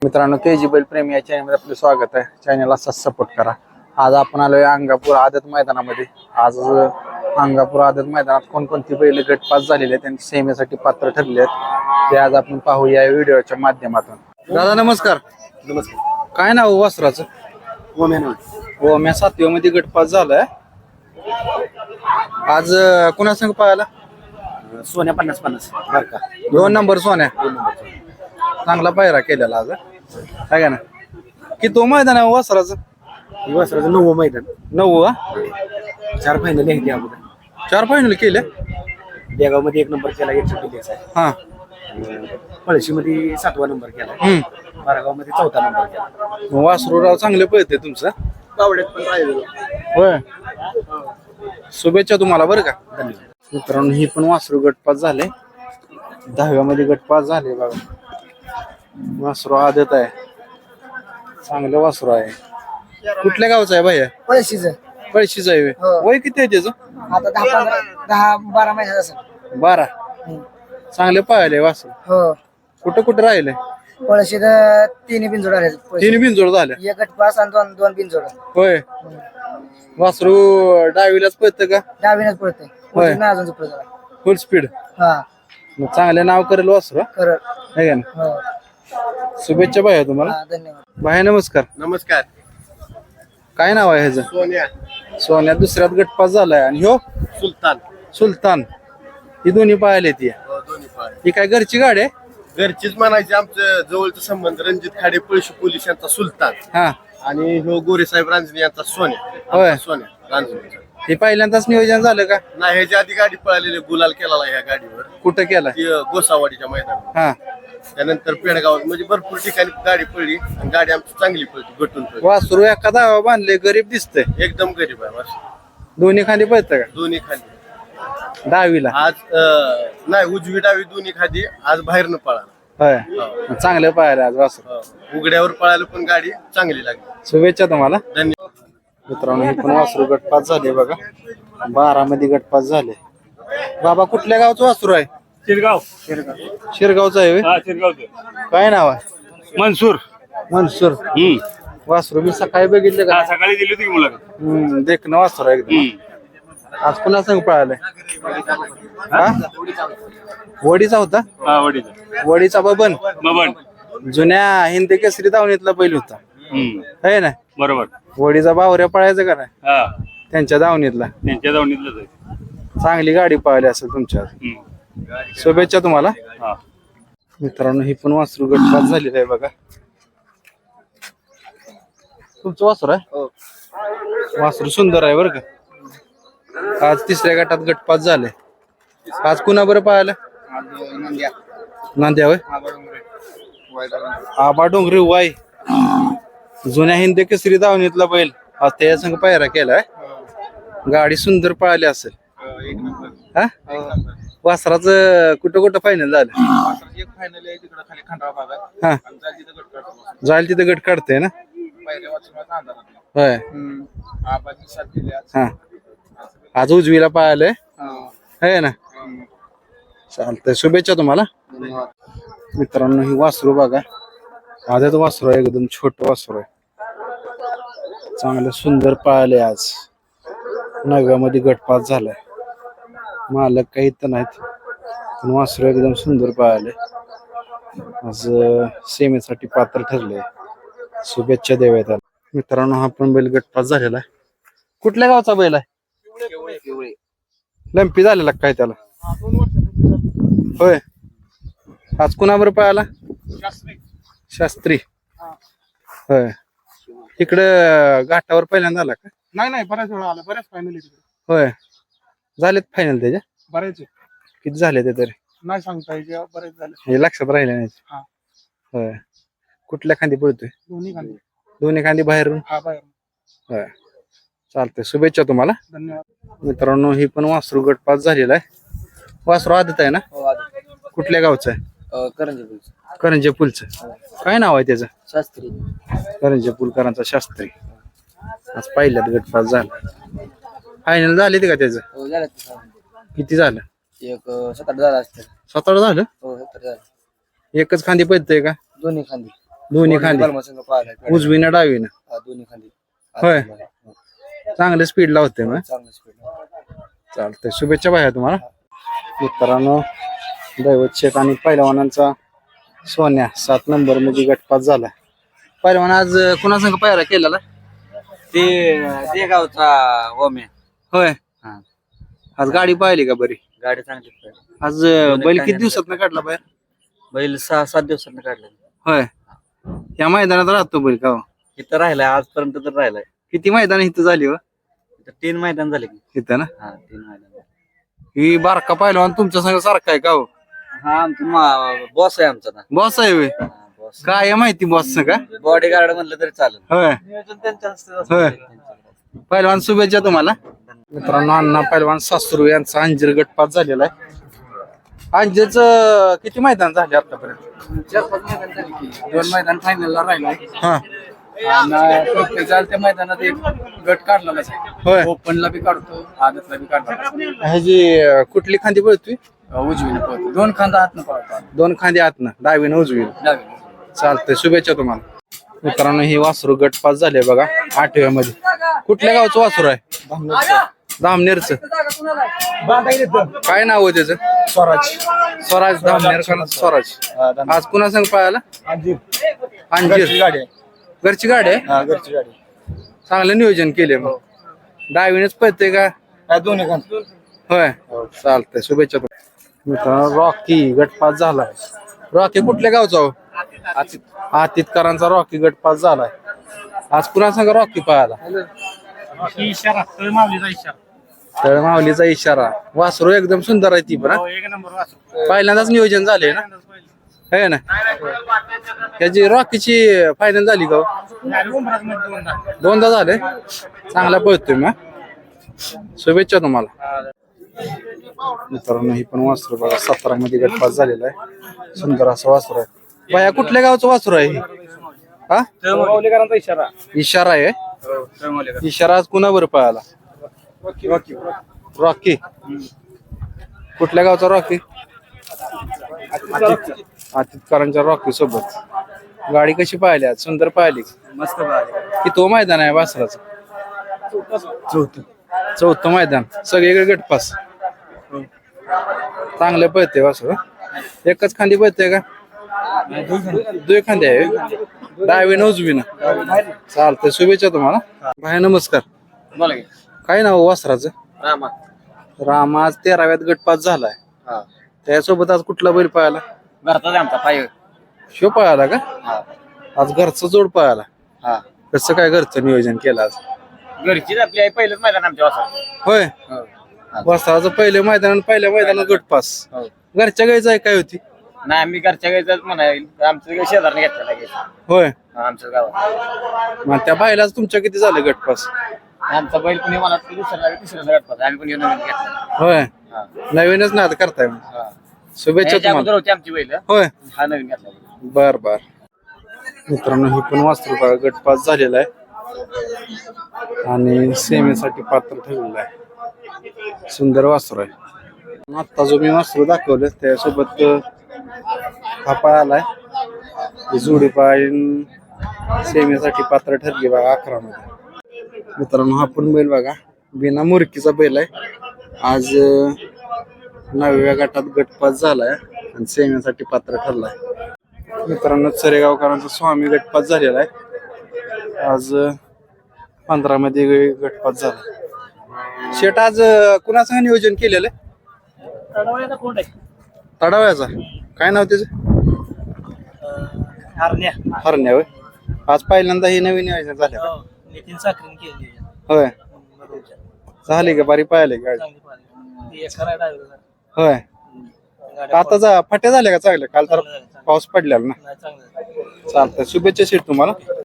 मित्रांनो केजी बैल प्रेमी या चॅनलमध्ये आपलं स्वागत आहे. चॅनलला असाच सपोर्ट करा. आज आपण आलोय अंगापूर आदत मैदानामध्ये. आज अंगापूर आदत मैदानात कोणकोणती बैल गटपास झालेले आहेत त्यांनी सेमीसाठी पात्र ठरले आहेत ते आज आपण पाहूया या व्हिडिओच्या माध्यमातून. दादा नमस्कार. नमस्कार. काय नाव वासराचं? ओम्या 7व्या मध्ये गटपास झालाय. आज कुणा संग पाहायला? सोन्या 50-50 बर का. 2 नंबर सोन्या. चांगला पायरा केलेला आज आहे का ना. की तो मैदान आहे वासराचं? वासराचं 9वं मैदान. 9 4 फायनल आहे त्या अगोदर. 4 फायनल केले. देगाव मध्ये 1 नंबर केला, 1 आहे. हा. पळशी मध्ये 7वा नंबर केला. बारागाव मध्ये 4था नंबर केला. वासरूराव चांगले पळते तुमचं. पावड्यात पण राहिलेलो. होय. शुभेच्छा तुम्हाला बरं का. धन्यवाद. मित्रांनो ही पण वासरू गटपास झाले. 10व्या मध्ये गटपास झाले बघा. वासरू आदत आहे. चांगलं वासरू आहे. कुठल्या गावचं आहे भैया? पळशीचं आहे. वय किती आहे त्याचं? आता 10-12 महिन्यात असेल. 12. चांगले पाहिले वासरू. हो. कुठं कुठं राहिले? पळशीत 3 बिनजोड आले. 3 बिनजोड झाले. एक गटपास आणि 2 बिनजोड. होय. वासरू डावीलाच पळतं का? डावीनच पळते. होय. अजून झोपलं जरा. Full speed. हा. मग चांगले नाव करेल वासरू खरं. आहे का ना. हो. शुभेच्छा भैया तुम्हाला. हा, धन्यवाद. भैया नमस्कार. नमस्कार. काय नाव आहे ह्याचं? सोन्या. सोन्या दुसऱ्यात गटपास झालाय. आणि ह्यो सुलतान. सुलतान. ही दोन्ही पाहिले ती. दोन्ही पाय. ही काय घरची गाडी आहे? घरचीच म्हणायची. आमचं जवळचं संबंध रणजित खाडे पळशी पोलीस यांचा सुलतान हा. आणि ह्यो गोरेसाहेब रांजणे यांचा सोन्या. होय. आमचा सोन्या रांजणेचा. हे पहिल्यांदाच नियोजन झालं का? नाही, ह्याच्या आधी गाडी पळालेली, गुलाल केलेला ह्या गाडीवर. कुठं केलं? ती गोसावाडीच्या मैदानात. हा. त्यानंतर पेडगावात म्हणजे भरपूर ठिकाणी गाडी पडली आणि गाडी आमची चांगली पळती, गटून पळती. वासरू एका दावा बांधले. गरीब दिसतंय. एकदम गरीब आहे वासरू. दोन्ही खाली पळतं का? दोन्ही खाली. डावीला. आज नाही, उजवी डावी दोन्ही खाली. आज बाहेरनं पळाला. होय. चांगलं पाहिलं आज वासरू. उघड्यावर पळायला पण गाडी चांगली लागली. शुभेच्छा तुम्हाला. धन्यवाद. मित्रांनो हे पण वासरू गटपास झाले बघा. 12 मध्ये गटपास झाले. बाबा कुठल्या गावचं वासरू आहे? शिरगाव. शिरगावचं आहे होय? हा, शिरगावचं. काय नाव आहे? मनसूर. मनसूर. वासरू मी सकाळी बघितलं का? सकाळी दिली होती की मुलाखत. देखणं वासरू आहे एकदम. आज पुन्हा संग पळालाय. हा? वडीचा होता. हा, वडीचा. वडीचा बबन. बबन. जुन्या हिंदी केसरी दावणीतला बैल होता आहे ना. बरोबर. वडीचा बावऱ्या पळायचा का नाही हा, त्यांच्या दावणीतला. त्यांच्या जाऊनीतलंच आहे. चांगली गाडी पळाली असेल तुमच्या. शुभेच्छा तुम्हाला. हा. मित्रांनो ही पण वासरू गटपास झालेलं आहे बघा. तुमचं वासरू आहे? वासरू सुंदर आहे बरं का. आज 3ऱ्या गटात गटपास झाले. आज कुणा बरं पाहायला? नांद्या होय. आबा डोंगरे वाय. जुन्या हिंदी केसरी दावणीतला बैल आज त्या संघ पायरा केलाय. गाडी सुंदर पळाली असेल. हा. वासराचं कुठं कुठं फायनल झालं? एक फायनल आहे तिकडे खाली खंडाळा भागात. हा. जाईल तिथं गट काढते ना. होय. हा. आज उजवीला पाहिलंय आहे ना. चालतंय. शुभेच्छा तुम्हाला. मित्रांनो ही वासरू बघा. आजच वासरू आहे. एकदम छोट वासरू आहे. चांगलं सुंदर पाळले. आज 9व्या मध्ये गटपास झालाय. मालक काही तर नाहीत पण वासरू एकदम सुंदर पाळले. आज सेमीसाठी पात्र ठरले. शुभेच्छा देऊया त्याला. मित्रांनो हा पण बैल गटपास झालेला आहे. कुठल्या गावचा बैल आहे? लंपी झालेला काय त्याला? होय. आज कुणाबर पळाला? शास्त्री. होय. इकडं घाटावर पहिल्यांदा आला का? नाही, बऱ्याच वेळा आला. बऱ्याच फायनल होय. झालेत फायनल त्याच्या? बरेच किती झाले ते तरी? नाही सांगता येईल. बरेच झाले. हे लक्षात राहिले नाही. हा. होय. कुठल्या खांदी पळतोय? दोन्ही खाली. दोन्ही खांदी बाहेरून. हा, बाहेर. होय. चालतंय. शुभेच्छा तुम्हाला. धन्यवाद. मित्रांनो ही पण वासरू गटपास झालेला आहे. वासरू आदत आहे ना. कुठल्या गावचं आहे? करंजे पुलचं. काय नाव आहे त्याचं? शास्त्री. करंजे पुलकरांचा शास्त्री. आज पहिल्यात गटपास झाला. फायनल झाले ते का त्याचं? हो, झालं. किती झालं? एक 7-8 झालं असतं. 7-8 झालं. हो, 7 झालं. एकच खांदी पडतंय का? दोन्ही खांदी. दोन्ही खांदी बलमा संघ पाहिलाय उजवीनं डावीनं दोन्ही खांदी होय चांगलं स्पीड लावते मग चांगलं स्पीड चालतंय शुभेच्छा बाया तुम्हाला मित्रांनो दैवत शेख आणि पहिलवानांचा सोन्या 7 नंबर मध्ये गटपात झाला पहिलवान आज कुणासंग पायरा केलेला ते गावचा ओम्या होय आज गाडी पाहिली का बरी गाडी चांगली आज बैल किती दिवसात काढला बाहेर बैल 6-7 दिवसांनी काढला होय या मैदानात राहतो बैल का हो? इथं राहिलाय आजपर्यंत तर राहिलाय किती मैदान इथं झाली हो इथं 3 मैदान झाले की इथं ना 3 मैदान ही बारका पहिलवान तुमच्या संग सारखा आहे का हो हा आमचा बॉस आहे आमचा ना बॉस आहे होय बॉस काय आहे माहिती बॉस का बॉडी गार्ड म्हणलं तरी चालेल होय नियोजन त्यांचं होय पहिलवान शुभेच्छा तुम्हाला मित्रांनो अण्णा पहिलवान सासरू यांचा अंजीर गटपात झालेला आहे अंजीरच किती मैदान झाले आतापर्यंत 2 मैदान फायनलला राहिलाय हा प्रत्येक त्या मैदानात एक गट काढलेलाच आहे होय ओपनला बी काढतो आदतला बी काढतो ह्याची कुठली खांदी पळतोय उजवीने पळतो 2 खांदा हातनं पळतो 2 खांदी आतनं डावीनं उजवीनं डावीने चालतंय शुभेच्छा तुम्हाला मित्रांनो ही वासरू गटपास झाले बघा 8व्या मध्ये कुठल्या गावचं वासरू आहे धामनेरचं काय नाव आहे त्याचं स्वराज धामनेर का स्वराज आज पुन्हा संग पाहायला अंजीर घरची गाडी आहे घरची गाडी चांगलं नियोजन केले मग डावीनेच पळते का दोन्ही खांदा होय चालतंय शुभेच्छा मित्रांनो रॉकी गटपास झालाय रॉकी कुठल्या गावचा हो आतितकरांचा रॉकी गटपास झालाय आज पुन्हा सांगा रॉकी पाहायला इशारा माऊलीचा इशारा तर माऊलीचा इशारा वासरू एकदम सुंदर आहे ती पण हा? एक नंबर वाचू पहिल्यांदाच नियोजन झाले ना है ना त्याची रॉकीची फायनल झाली का हो? दोनदा झाले चांगला पळतोय मग शुभेच्छा तुम्हाला मित्रांनो ही पण वासरू बघा 17 मध्ये गटपास झालेला आहे सुंदर असं वासरू आहे बाया कुठल्या गावचं वासरू आहे हा माऊलीकरांचा इशारा इशारा आहे इशारा आज कुणावर पळाला रॉकी कुठल्या गावचा रॉकी आतितकरांच्या रॉकी सोबत गाडी कशी पाहिली आज सुंदर पाहिली मस्त पाहिजे की तो मैदान आहे वासराचं चौथं मैदान सगळीकडे गटपास चांगलं पळते वासर एकच खांदी पळते का 2 खांदी आहे डावीनं उजवीनं चालतंय शुभेच्छा तुम्हाला भाई नमस्कार बोला की काय नाव वासराचं रामा राम आज 13व्यात गटपास झालाय त्यासोबत आज कुठला बैल पळाला घरचाच आमचा पाय शो पळाला का आज घरचा जोड पळाला कसं काय घरचं नियोजन केलं आज घरचीच आपली आई पहिलंच मैदान आमच्या वासरात होय वासराचं पहिलं मैदान आणि पहिल्या मैदानात गटपास घरच्या गायचं आहे काय होती नाही आम्ही घरच्या गायचाच म्हणाल आमचं शेजारने घेतलेला घ्यायचा होय आमच्या गावात मग त्या बायलाच तुमच्या किती झालं गटपास आमचा बैल कुणी मला तिसऱ्या गटपास आम्ही कुणी नवीन घेतला होय नवीनच ना आता करताय मग. शुभेच्छा तुम्हाला होती आमची बैल होय हा नवीन घेतला बर बर मित्रांनो ही पण वासरू बघा गटपास झालेला आहे आणि सेमीसाठी पात्र ठरलेलं आहे सुंदर वासरू आहे आता जो मी वासरू दाखवलं त्यासोबत हा पळालाय जोडी पाळीन सेमीसाठी पात्र ठरली बघा 11 मध्ये मित्रांनो हा पण बैल बघा बिना मुरकीचा बैल आहे आज 9व्या गटात गटपास झालाय आणि सेमीसाठी पात्र ठरलाय मित्रांनो चरेगावकरांचा स्वामी गटपास झालेला आहे आज 15 मध्ये गटपास झाला शेट आज कुणाचं नियोजन केलेलं आहे तडाव्याचा काय नाव त्याचं हरण्या होय आज पहिल्यांदा हे नवीन नियोजन झालं नितीन साखरेन केली होय झाली का बारी पाहिले गाडी होय आता फाट्या झाल्या का चांगल्या काल तर पाऊस पडलेला ना चालतंय शुभेच्छा शेट तुम्हाला